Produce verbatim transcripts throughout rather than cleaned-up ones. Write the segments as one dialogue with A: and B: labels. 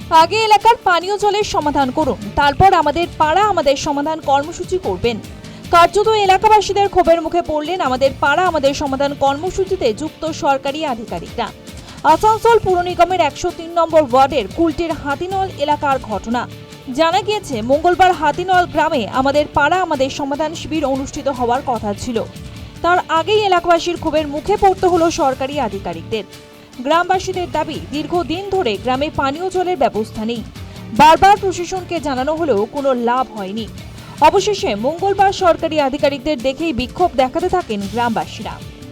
A: আগে এলাকার পানীয় জলের সমাধান করুন, তারপর আমাদের পাড়া আমাদের সমাধান কর্মসূচি করবেন। কার্যত এলাকাবাসীদের ক্ষোভের মুখে পড়লেন আমাদের পাড়া আমাদের সমাধান কর্মসূচিতে যুক্ত সরকারি আধিকারিকরা। আসানসোল পুর নিগমের একশো তিন নম্বর ওয়ার্ডের কুলটির হাতিনল এলাকার ঘটনা। জানা গিয়েছে, মঙ্গলবার হাতিনল গ্রামে আমাদের পাড়া আমাদের সমাধান শিবির অনুষ্ঠিত হওয়ার কথা ছিল। তার আগেই এলাকাবাসীর ক্ষোভের মুখে পড়তে হলো সরকারি আধিকারিকদের। গ্রামবাসীদের দাবি, দীর্ঘদিন ধরে গ্রামে পানীয় জলের ব্যবস্থা নেই। বারবার প্রশাসনকে জানানো হলেও কোনো লাভ হয়নি। অবশেষে মঙ্গলবার সরকারি আধিকারিকদের দেখেই বিক্ষোভ দেখাতে থাকেন গ্রামবাসীরা।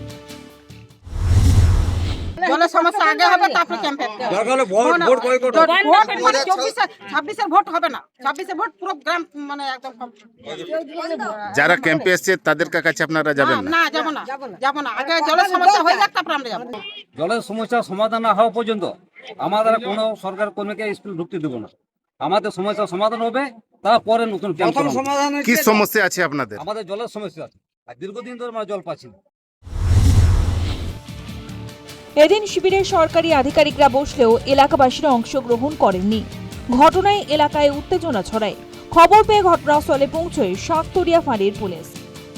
B: জলের সমস্যা আগে হবে, তারপরে ক্যাম্পে
C: দরকার ভোট ভোট বয়কট
B: মানে চব্বিশে ছাব্বিশে ভোট হবে না, ছাব্বিশে ভোট পুরো গ্রাম মানে একদম।
D: যারা ক্যাম্পে এসছে তাদের কাছে আপনারা যাবেন না?
B: না, যাবো না, যাবো না। আগে জলের সমস্যা হয়ে যাক, তারপরে আমরা যাবো।
C: জলের সমস্যা সমাধান না হওয়া পর্যন্ত আমাদের কোনো সরকার কর্মীকে স্কুল ঢুকতে দেবো না। আমাদের সমস্যা সমাধান হবে, তারপরে নতুন ক্যাম্প করব।
D: কি সমস্যা আছে আপনাদের?
C: আমাদের জলের সমস্যা আছে, আর দীর্ঘদিন ধরে আমরা জল পাচ্ছি না।
A: এদিন শিবিরে সরকারি আধিকারিকরা বসলেও এলাকাবাসীরা অংশগ্রহণ করেননি। ঘটনায় এলাকায় উত্তেজনা ছড়ায়। খবর পেয়ে ঘটনাস্থলে পৌঁছয় শাকতরিয়া ফাঁড়ির পুলিশ।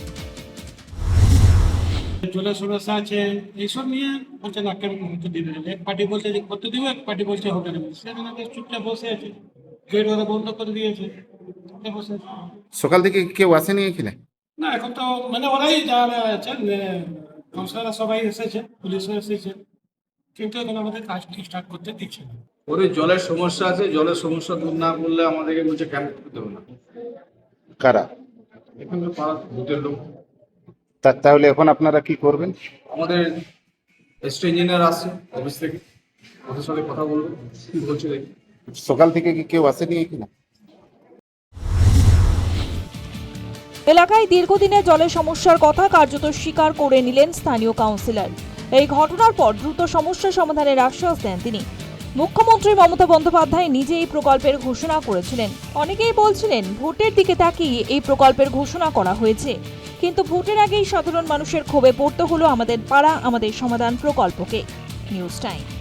E: জলের সমস্যা আছে, এইসব নিয়ে বলছে না কেন করতে দিবে। এক পার্টি বলছে যে করতে দিবে, এক পার্টি বলছে হবে না। সেখানে চুপচাপ বসে আছে, গেট ওরা বন্ধ করে দিয়েছে, বসে আছে।
D: সকাল থেকে কেউ আসেনি এখানে?
E: না, এখন তো মানে ওরাই যারা আছে, কাউন্সিলররা সবাই এসেছে, পুলিশও এসেছে, কিন্তু এখন আমাদের কাজ স্টার্ট করতে দিচ্ছে না।
F: ওরে জলের সমস্যা আছে, জলের সমস্যা দূর না করলে আমাদেরকে বলছে ক্যাম্প করতে হবে না।
D: কারা?
F: এখানে পাড়া ভূতের লোক।
D: তা- তাহলে এখন আপনারা কি করবেন?
F: আমাদের এসটি ইঞ্জিনিয়ার আসছে অফিস থেকে, ওদের সাথে কথা বলবো, কি বলছে দেখি।
D: সকাল থেকে কি কেউ আসেনি এখানে?
A: এলাকায় দীর্ঘদিনের জলের সমস্যার কথা কার্যত স্বীকার করে নিলেন স্থানীয় কাউন্সিলর। এই ঘটনার পর দ্রুত সমস্যা সমাধানের আশ্বাস দেন তিনি। মুখ্যমন্ত্রী মমতা বন্দ্যোপাধ্যায় নিজে এই প্রকল্পের ঘোষণা করেছিলেন। অনেকেই বলছিলেন ভোটের দিকে তাকিয়ে এই প্রকল্পের ঘোষণা করা হয়েছে, কিন্তু ভোটের আগেই সাধারণ মানুষের ক্ষোভে পড়তে হলো আমাদের পাড়া আমাদের সমাধান প্রকল্পকে। News time.